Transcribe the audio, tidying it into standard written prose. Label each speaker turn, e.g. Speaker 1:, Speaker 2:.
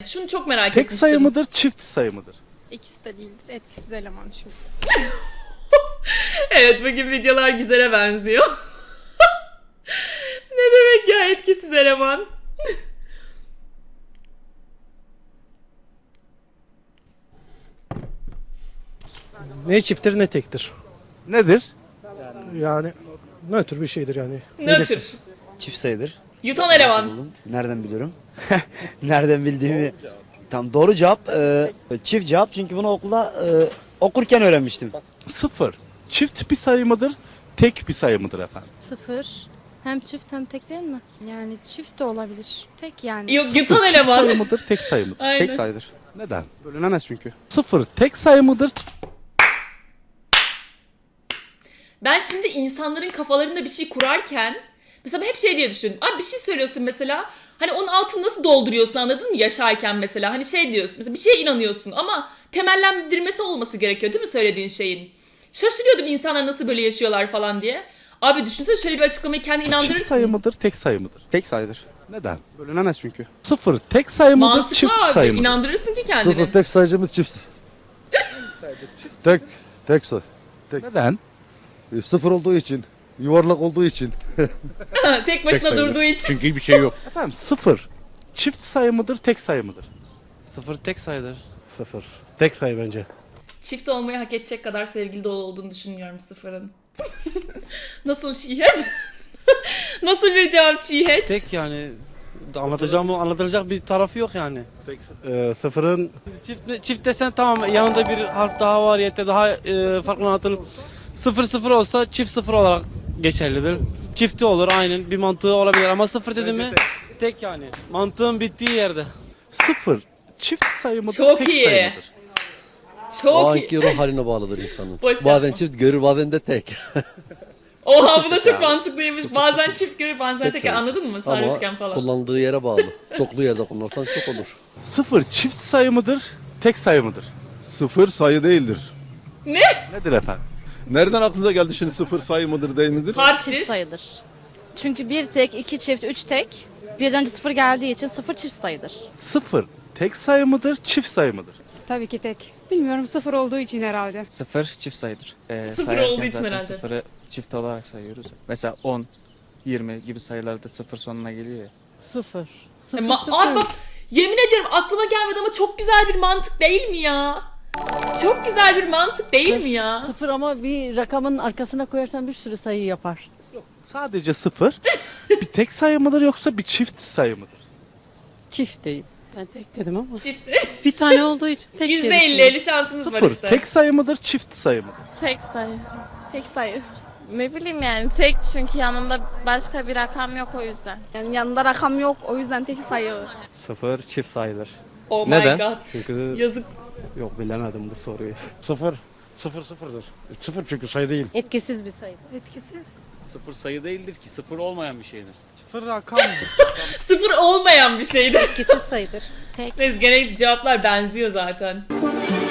Speaker 1: Şunu çok merak
Speaker 2: Tek
Speaker 1: etmiştim.
Speaker 2: sayı mıdır, çift sayı mıdır?
Speaker 3: İkisi de değildir. Etkisiz eleman çünkü.
Speaker 1: Evet, bugün videolar güzele benziyor. Ne demek ya etkisiz eleman?
Speaker 4: Ne çifttir ne tektir.
Speaker 2: Nedir?
Speaker 4: Yani nötr bir şeydir yani.
Speaker 1: Nötr.
Speaker 4: Belirsiz.
Speaker 5: Çift sayıdır.
Speaker 1: Yutan
Speaker 5: Nasıl
Speaker 1: eleman.
Speaker 5: buldum? Nereden biliyorum? Nereden bildiğimi. Tam doğru cevap çift cevap çünkü bunu okulda okurken öğrenmiştim.
Speaker 2: Sıfır. Çift bir sayı mıdır, tek bir sayı mıdır efendim?
Speaker 6: Sıfır. Hem çift hem tek değil mi?
Speaker 3: Yani çift de olabilir. Tek yani.
Speaker 1: Yok,
Speaker 2: Sıfır
Speaker 1: yutan
Speaker 2: çift
Speaker 1: eleman.
Speaker 2: sayı mıdır, tek sayı mıdır?
Speaker 1: Aynen.
Speaker 7: Tek sayıdır.
Speaker 2: Neden?
Speaker 7: Bölünemez çünkü.
Speaker 2: Sıfır tek sayı mıdır?
Speaker 1: Ben şimdi insanların kafalarında bir şey kurarken mesela hep şey diye düşündüm. Abi bir şey söylüyorsun mesela. Hani onun altını nasıl dolduruyorsun, anladın mı, yaşarken mesela. Hani şey diyorsun mesela, bir şeye inanıyorsun ama temellendirmesi olması gerekiyor değil mi söylediğin şeyin? Şaşırıyordum insanlar nasıl böyle yaşıyorlar falan diye. Abi düşünsene, şöyle bir açıklamayı kendi
Speaker 2: Çift
Speaker 1: inandırırsın.
Speaker 2: sayı mıdır, tek sayı mıdır?
Speaker 7: Tek sayıdır.
Speaker 2: Neden?
Speaker 7: Bölünemez çünkü.
Speaker 2: Sıfır tek sayı mıdır,
Speaker 1: Mantıklı
Speaker 2: çift
Speaker 1: abi.
Speaker 2: sayı mıdır?
Speaker 1: İnandırırsın ki kendini.
Speaker 8: Sıfır tek sayıcı mı çift? tek sayı.
Speaker 2: Neden?
Speaker 8: Sıfır olduğu için, yuvarlak olduğu için.
Speaker 1: Tek başına
Speaker 2: sayı.
Speaker 1: durduğu için.
Speaker 2: Çünkü bir şey yok. Efendim sıfır çift sayı mıdır, tek sayı mıdır?
Speaker 7: Sıfır tek sayıdır.
Speaker 4: Sıfır. Tek sayı bence.
Speaker 1: Çift olmayı hak edecek kadar sevgili dolu olduğunu düşünmüyorum sıfırın. Nasıl çiğhet? Nasıl bir cevap çiğhet?
Speaker 9: Tek yani anlatılacak bir tarafı yok yani.
Speaker 4: Sıfırın
Speaker 9: Çift desen tamam, yanında bir harf daha var ya da daha farklı anlatılır. Sıfır sıfır olsa çift sıfır olarak geçerlidir. Çifti olur, aynen bir mantığı olabilir ama sıfır dedi mi tek yani. Mantığın bittiği yerde.
Speaker 2: Sıfır çift sayı mıdır,
Speaker 1: Çok
Speaker 2: tek
Speaker 1: iyi.
Speaker 2: sayı mıdır?
Speaker 1: Çok
Speaker 8: O
Speaker 1: iyi.
Speaker 8: anki ruh haline bağlıdır insanın.
Speaker 1: Boş
Speaker 8: Bazen
Speaker 1: yapma.
Speaker 8: çift görür, bazen de tek.
Speaker 1: Oha, bu da çok mantıklıymış. Bazen çift görür, bazen tek.
Speaker 8: tabii.
Speaker 1: Anladın mı? Sarhoşken
Speaker 8: Ama
Speaker 1: falan.
Speaker 8: kullandığı yere bağlı. Çoklu yerde kullanırsan çok olur.
Speaker 2: Sıfır çift sayı mıdır, tek sayı mıdır?
Speaker 10: Sıfır sayı değildir.
Speaker 2: Nedir efendim?
Speaker 10: Nereden aklınıza geldi şimdi sıfır sayı mıdır değil midir?
Speaker 1: Harftir.
Speaker 6: Çift sayıdır. Çünkü bir tek, iki çift, üç tek. Birden önce sıfır geldiği için sıfır çift sayıdır.
Speaker 2: Sıfır tek sayı mıdır, çift sayı mıdır?
Speaker 3: Tabii ki tek. Bilmiyorum, sıfır olduğu için herhalde.
Speaker 7: Sıfır çift sayıdır.
Speaker 1: Sıfır
Speaker 7: Sayarken
Speaker 1: olduğu için
Speaker 7: zaten
Speaker 1: herhalde.
Speaker 7: sıfırı çift olarak sayıyoruz. Mesela 10, 20 gibi sayılarda sıfır sonuna geliyor ya.
Speaker 6: Sıfır.
Speaker 1: Abi bak, yemin ediyorum aklıma gelmedi ama çok güzel bir mantık değil mi ya? Çok güzel bir mantık değil mi ya?
Speaker 11: Sıfır ama bir rakamın arkasına koyarsan bir sürü sayı yapar.
Speaker 2: Sadece sıfır bir tek sayı mıdır yoksa bir çift sayı mıdır?
Speaker 11: Çift değil. Ben tek dedim ama.
Speaker 1: Çift.
Speaker 11: Bir tane olduğu için tek
Speaker 1: %50 şansınız var
Speaker 2: Sıfır
Speaker 1: işte.
Speaker 2: tek sayı mıdır, çift sayı mıdır?
Speaker 12: Tek sayı. Tek sayı. Ne bileyim yani, tek çünkü yanında başka bir rakam yok, o yüzden.
Speaker 3: Yani yanında rakam yok, o yüzden tek sayı.
Speaker 4: sıfır çift sayıdır.
Speaker 1: Oh my
Speaker 4: Neden?
Speaker 1: god.
Speaker 4: Çünkü
Speaker 1: Yazık.
Speaker 4: yok bilemedim bu soruyu. Sıfır. Sıfır sıfırdır. Sıfır çünkü sayı değil.
Speaker 6: Etkisiz bir sayı.
Speaker 3: Etkisiz.
Speaker 9: Sıfır sayı değildir ki, sıfır olmayan bir şeydir.
Speaker 7: Sıfır rakam.
Speaker 1: Sıfır olmayan bir şeydi.
Speaker 6: Etkisiz sayıdır.
Speaker 1: Neyse, gene cevaplar benziyor zaten.